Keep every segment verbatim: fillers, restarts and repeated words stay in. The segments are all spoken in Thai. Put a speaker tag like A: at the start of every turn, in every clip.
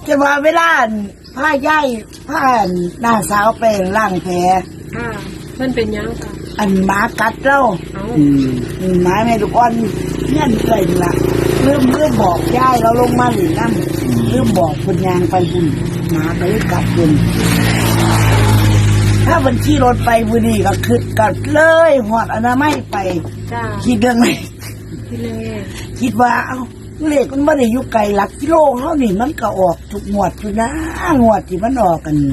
A: จะว่าเวลาผ้าย่ายผ้าหน้าสาวไปล่างแผล
B: ค่ะเพิ่นเป็นยังค่ะ
A: อันหมากัดเราอืมหมาแม่ลูกอ่อนเงี้ยเคยละเริ่มเริ่มบอกย่ายเราลงมาหรือนั่นเริ่มบอกคนยางไปบุญหมาไปกัดบุญถ้าบัญชีรถไปบุรีก็คืดกัดเลยหอดอนามัยไปคิดเรื่องไหนคิดเรื่องคิดว่าเอาเลขมันไม่ได้อยู่ไกลหลักกิโลเขานี่มันก็ออกทุกงวดอยู่นะงวดที่มันออกกัน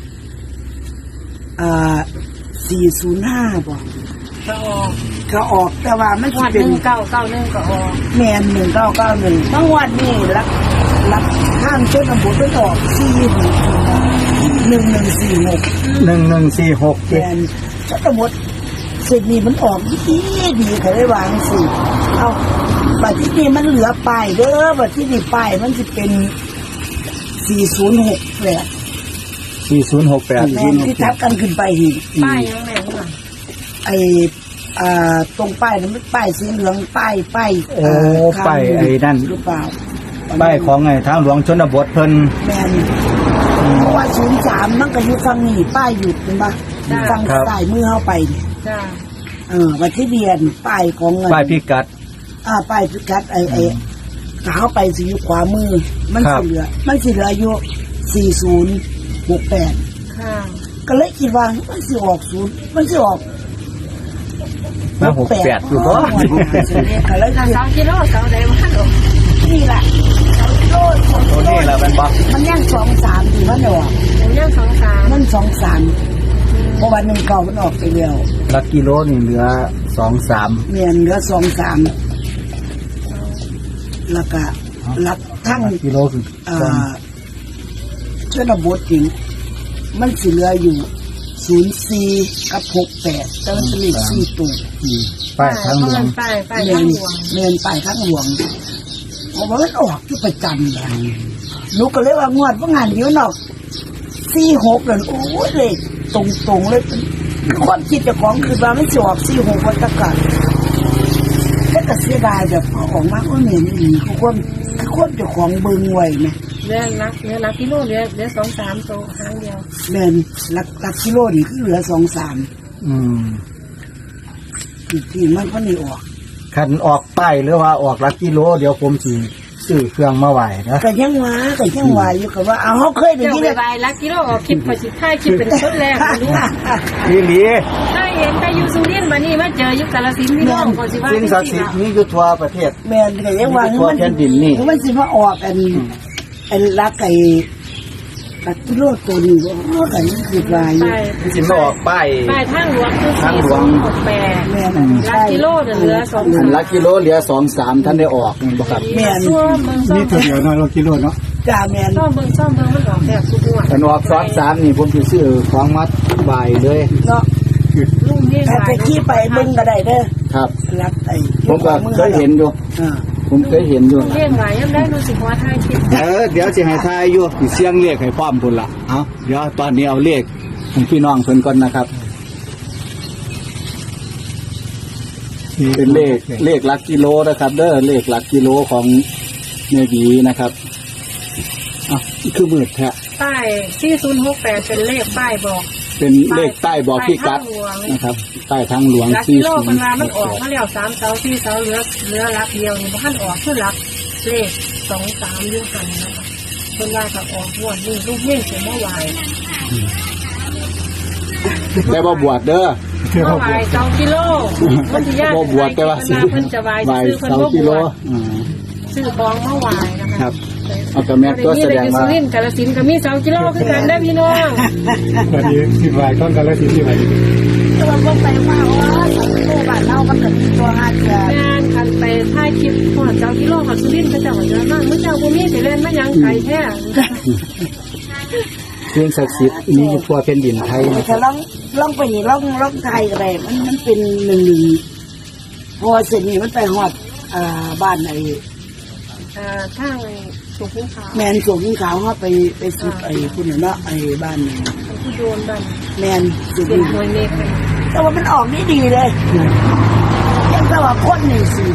A: อ่าสี่ศูนย์ห้าบอก
B: ก็ออก
A: ก็ออกแต่ว่าไม่ใช่เป็น
B: หนึ่งเก้าเก้าหนึ่งก็ออก
A: แมนหนึ่งเก้าเก้าหนึ่งบางวันนี่รักรักข้ามเส้นบุตรออกสี่หกหนึ่งหนึ่งสี่หก
C: หนึ่งหนึ่งสี่หก
A: แมนเส้นบุตรเส้นนี้มันออกดีดีเขาได้วางสิเอาบัดที่นี่มันเหลือป้ายเด้อบัดที่นี่ป้ายมันจะเป็นสี่ศูนย์หกแปด
C: สี่ศูนย์หกแปด
A: แมนที่ทับกันขึ้นไปหิน
B: ป้ายยังไงล่ะ
A: ไออ่าตรงป้ายนั้นป้ายสีเหลืองป้ายป้าย
C: โอ้ป้ายไอ้นั่น
A: หรือเปล่า
C: ป้ายของไงทางหลวงชนบทเพิ่น
A: แมนเพราะว่าศูนย์สามมันก็อยู่ฝั่งนี้ป้ายหยุดเห็นปะฝั่งซ้ายมือเข้าไปเนี่ยเออวันที่เรียนป้ายของเงิน
C: ป้ายพิกัด
A: อ่าป้ายพิกัดไอไอขาเข้าไปสิอยู่ขวามือมันสิเหลือมันสิเหลืออยู่สี่ศูนย์หกแปดก็เลยคิดว่ามันสิออกศูนย์มันสิออก
C: มาหกแปดอยู่ก็
A: ก็เลย
B: สองกิโลสองเดมันออก
A: นี่แหละสองกิโลสองกิโล
C: นี่แหละเป็นบ๊
A: มันย่างสองสามดีมันออก
B: มันย่างสองสาม
A: มันสองสามเพราะวันหนึ่งเก่ามันออกไปเดียว
C: ลักกิโลนี่เหลือสองสาม
A: เมียนเหลือสองสามแล้วก็ลักทั้ง
C: กิโลคือ
A: อ่าเชื่อระบบจริงมันสิเหลืออยู่ศูนย์สี่กับหกแปดแต่มันจะมีสี่ตัว
C: ป้ายทางหลวง
B: ป้ายป้ายทางหลวง
A: เมียนป้ายทางหลวงเพราะว่ามันออกที่ประจำเลยลูกก็เลยว่างวดว่างานเดียวเนาะสี่หกเลยโอ้ยเลยตรงตรงเลยความคิดเจ้าของคือว่าไม่จบสี่หกวันตะกัดแล้วก็เสียดายแบบพอออกมาก็เหนื่อยนี่คือความคือความเจ้าของเบิ่งไว้ไหม
B: เรือลักเรือลักกิโลเรือเรือสองสามตัวครั้งเดียว
A: เดินลักลักกิโลนี่คือเหลือสองสาม
C: อืม
A: ที่มันก็นี่ออก
C: คันออกป้ายหรือว่าออกลักกิโลเดี๋ยวผมสิซื้อเครื่องมาไหวนะ
A: แต่ยังว่าแต่ยังว่าอยู่กับว่าเอาเขาเคยได้ยิน
B: ไหวลักกิโลออกคลิปพอสิท้ายคลิปเป็นชุดแรกรู้
C: นี่หลี
B: ถ้าเห็นไปอยู่สุรินทร์มานี่มาเจออยู่กาฬสินธุ์พี่น้องก็สิว่า
C: สิ่งศักดิ์สิทธิ์นี่อยู่ทั่วประเทศ
A: แม่นก็ยังว่า
C: มัน
A: มันสิมาออกอันอันลักไอ้ลักกิโลตัวนี้ว่าไอ้คือลาย
C: มันสิมาออกป้าย
B: ป้ายทางหลวงคือสี่ศูนย์หกแปดลักกิโลเหลือสองสาม
C: ลักกิโลเหลือสองสามท่านได้ออกบ่ครับ
A: แม่น
C: นี่ตัวเดียวเนาะลักกิโลเนาะ
A: จ้าแม่น
B: ซ่อมเบิ่งซ่อมเบิ่งมันออกแบบทุกงวด
C: อันออกสองสามนี่ผมสิซื้อของมัดใบเลย
A: เนาะ
B: ลุงนี่
A: ถ้าไปขี่ไปเบิ่งก็ได้เด้อ
C: ครับ
A: ลักไอ้
C: ผมก็เคยเห็นอยู่
A: อ่า
C: ผมเคยเห็นอยู่
B: เรียกไหวยังได้รู้สึกว่าทายคิด
C: เออเดี๋ยวสิให้ทายอยู่สิเสียงเลขให้พร้อมพุ่นล่ะเอาเดี๋ยวตอนนี้เอาเลขของพี่น้องเพิ่นก่อนนะครับเป็นเลขเลขหลักกิโลนะครับเด้อเลขหลักกิโลของแม่บีนะครับอ่ะคือมืดแท้
B: ป้ายสี่ศูนย์หกแปดเป็นเลขป้ายบอก
C: เป็นเลขใต้บอกพี่กัดนะครับใต้ทางหลวง
B: สี่ศูนย์มันมันออกมาแล้วสามเสาสี่เสาเหลือเหลือลักเดียวนี่มันขั้นออกคือลักเลขสองสามยื่หันนะคะคนว่าก็ออกบวชนี่ลูกเงี้ยเสียเมื่อวาน
C: แต่บ่บวชเด้อ
B: เมื่อวานสองกิโลมันจะยาก
C: บ่บวชแต่ว่าซื้อ
B: เพิ่นจะวายซื้อเพิ่นบ่บวชซื้อของเมื่อวานนะคะ
C: เอาแต่แม่ก็แสดงว่า
B: สุรินทร์กาฬสินธุ์ก็มีสองกิโลคือกันได้พี่น้อง
C: วันนี้สิบวายต้นกาฬสินธุ์ที่ไหน
A: แต่ว่าไปว่าว่าสองกิโลบ้านเรามันถึงตัวห้าเดือน
B: งานคันไปถ่ายคลิปพอดเจ้ากิโลกับสุรินทร์ก็เจ้าเยอะมากมื้อเจ้าบ่มีสิเล่นมายังไกลแท้
C: สิ่งศักดิ์สิทธิ์มีอยู่ทั่วแผ่นดินไทยนะ
A: ถ้าลองลองไปนี่ลองลองไทยก็ได้มันมันเป็นหนึ่งหนึ่งพอเสร็จนี่มันไปฮอดอ่าบ้านไอ้
B: อ่าทางสุขุมขาว
A: แมนสุขุมขาวเขาไปไปสุดไอ้คุณเนาะไอ้บ้านนี่
B: คือโดนดัน
A: แมนสุ
B: ขุมขาวเมฆ
A: แต่ว่ามันออกนี่ดีเลยยังแต่ว่าคนนี่สิ
B: ค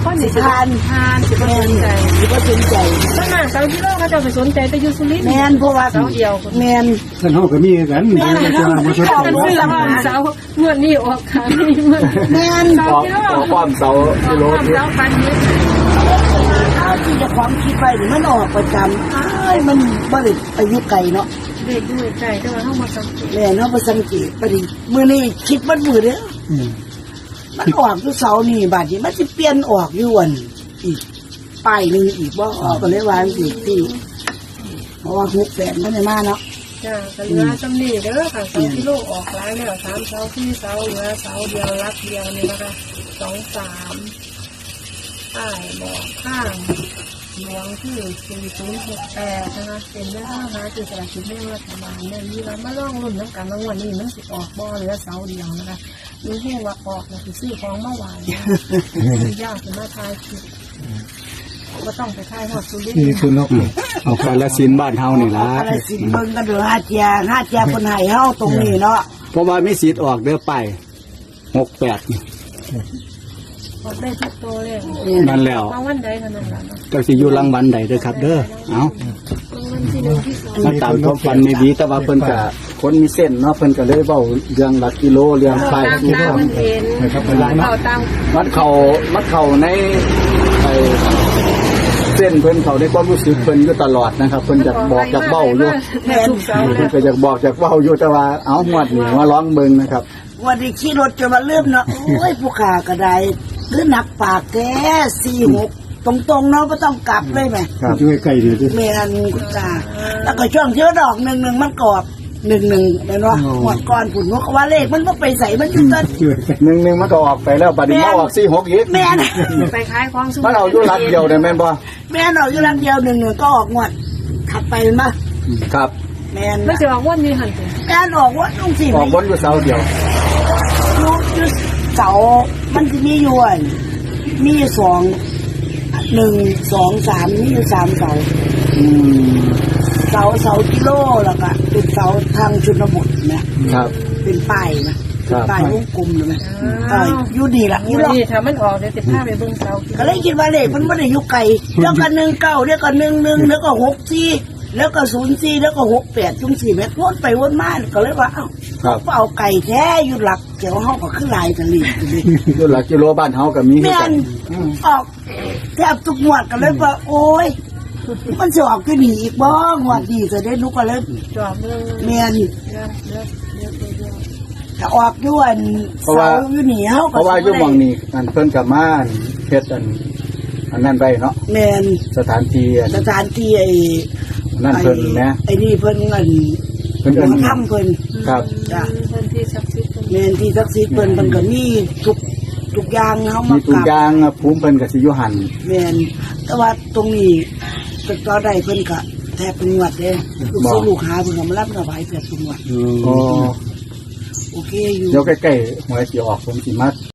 B: คนนี่
A: ทาน
B: ทานสิบ่
A: แม่
B: ส
A: น
B: นใจ
A: สิบ่สนใจ
B: ต้นหน้าเสากิโลเขาจะไปสนใจแต่อยู่สุรินทร์
A: แม่นเพราะว่า
B: เสาเดียวคน
A: แม่น
D: ท่านเฮาก็มีกัน
A: แม่น
D: เดี๋ยวจะมาบ่สนใจ
B: กันซื้อบ้านเสางวดนี้ออกขายนี่มัน
A: แม่น
B: เสา
C: ออก
B: กิโล
C: ออกป้อมเสา
B: ออก
C: กิโล
B: ความ
C: ที่
B: เสาปันนี้
A: เอาที่เจะความคิดไว้นี่มันออกประจำอ้ายมันบ่ได้ไปอยู่ไกลเนาะ
B: เด็กด้วยใจแต่ว่าเฮามาสังเกต
A: แม่เนาะบ่สังเกตปดิมื้อนี้คิดมันมื้อเด้อ
D: อืม
A: มันออกอยู่เสาร์นี่บาดนี้มันสิเปลี่ยนออกอยู่วันอีกป้ายหนึงอีกบ่ก็เลยวางอีกที่เพราะว่าหกแสนมันได้มาเนาะ
B: จ้าก็เหลือจำนี่เด้อค่ะเสากิโลออกหลายแล้วสามเสาสี่เสาเหลือเสาเดียวรักเดียวนี่นะคะสองสามป้ายบอกข้างหลวงที่สี่ศูนย์หกแปดนะคะเป็นแม่ค้าหาจุดสลากกินแบ่งรัฐบาลเนี่ยมีร้านมาล่องรุ่นน้ำกันรางวัลนี้มันสิออกบ่เหลือเสาเดียวนะคะมีแค่ว่าออกนะคือซื้อของเมื่อวานนะยากจะมาทายผิดก็ต้องไปทายหอดสุรินท
D: นี่
B: ร์
D: คือนก
C: เอากาลสินธุ์บ้านเฮานี่ล่ะ
A: อะไรสิเบิ่งกันเด้อหาเจียหาเจียคนให้เฮาตรงนี้เนาะ
C: เพราะว่ามีสิทธิ์ออกเด้อไปหกแปดนี่
B: ออกได้ทุกตัวเลย
C: นั่นแล้ว
B: รางวัลใดเท่านั้นแหละเนาะ
C: เจ้าสิอยู่รางวัลใดเด้อครับ เด้อเอา
B: รางวัลที่หนึ่งที่สอง
C: มาตามความฝันในดีแต่ว่าเพิ่นก็คนมีเส้นเนาะเพิ่นก็เลยเว้าเรื่องหลักกิโลเรื่อง
B: เรา
C: ไป
B: ตาม
C: กิโล
B: ตามมันเห็น
D: นะครับเป็นไรเนาะ
B: เราตาม
C: มันเข้ามันเข้าในไอ้เส้นเพิ่นเข้าในความรู้สึกเพิ่นอยู่ตลอดนะครับเพิ่นอยากบอกอยากเว้าอยู่
B: แม่ทุกเสาเล
C: เพิ่น
B: ย
C: ก็อยากบอกอยากเว้าอยู่แต่ว่าเอาหวดนี่มาร้องเบิ่งนะครับ
A: วันนี้ขี่รถจะมาเริ่มเนาะโอ้ยผู้ขาก็ได้คือหนักปากแกสี่หกตรงๆเนาะบ่ต้องกลับเลยแหม
C: ครับ
D: ช่วยใกล้ดีดิ
A: แม่นคุณตาแล้วก็ช่วงที่ว่าดอกหนึ่งหนึ่งมันกรอบหนึ่งหนึ่งเนาะหมดก่อนผุนนกว่าเลขมันก็ไปใส่มันอยู่ต้น
D: ช่วยใกล้
C: หนึ่งหนึ่งมันก็ออกไปแล้วบัดนี้มาออกสี่หกอีก
A: แม่น
B: ไปขายของสุ
C: มันเอาอยู่รักเดียวได้แม่นบ่
A: แม่นออกอยู่รังเดียวหนึ่งหนึ่งก็ออกงวดถัดไปมันมา
C: ครับ
A: แม่น
B: ไม่จะบอกว่ามีหันถึง
A: แม่นออกว่าต้องสี่
C: ออกบนอยู่เสาเดียว
A: ยุยุเสามันจะมีอยู่อันมีอยู่สองหนึ่งสองสามมีอยู่สามเสา
C: อืม
A: เสาเสากิโลแล้วก็เป็นเสาทางชนบทนะครับ เป็นป้ายนะครับ เป็นป้ายวงกลมเลยไหมเอออยู่ดีละอยู่
B: วัน
A: หรอก
B: นี้ถ้ามันออกเดี๋ยวจะพาไปเบิ่งเสา
A: ก็เลยคิดว่าเลขมันไม่ได้อยู่ไกลแล้วก็หนึ่งเก้าแล้วก็หนึ่งหนึ่งแล้วก็หกสี่แล้วก็ศูนย์สี่แล้วก็หกแปดจุ่มสี่เมตรวนไปวนมาก็เลยว่าเอ้า
C: ครับ
A: เอาไก่แท้อยู่หลักเจ้าห้องก็ขึ้นลายกันเลย
C: อยู่หลักกิโลบ้านเฮาก็มีคือ
A: แม่
C: กัน น
A: ออกแทบทุกงวดก็เลยว่า โอ้ยมันจะออกขึ้นอีกบ้างวดดีจะได้นุกก็เลย
B: จอบเบิ่ง
A: เมียน
B: เดี๋ยวเดี๋ยวเดี๋ยวเดี๋ยว
A: ถ้าออกด้วนเสาอยู่หนีเขา
C: เพราะว่าอยู่หม่องนี้อันเพิ่นก็มาเฮ็ดอันอันนั้นไว้เนาะ
A: แมน
C: สถานที่อัน
A: สถานที่ไอ้
C: นั่นเพิ่นนะ
A: ไอ้นี่เพิ่นเงิน
C: เพิ่นเอิ้น
A: ถ้ำเพิ่น
C: ครับ
A: จ้ะ
B: เพิ่นที่ศักดิ์สิทธิ์เพิ่น
A: แมนที่ศักดิ์สิทธิ์เพิ่นเพิ่นก็มีทุกทุกอย่างเขา
C: มี
A: มา
C: ตุ
A: ก
C: ก
A: ราบ
C: ยางภูมิเพิ่นก็สิอยู่หั่น
A: แมนแต่ว่าตรงนี้เป็นต่อได้เพิ่นก็แทบเป็นงวดเด้ลูกศิษย์ลูกหาเพิ่นก็มารับถวายแทบเป็นงวด
C: อ๋อ
A: โอเคอยู่
C: เดี๋ยวใกล้ๆหวยสิออกผมสิมา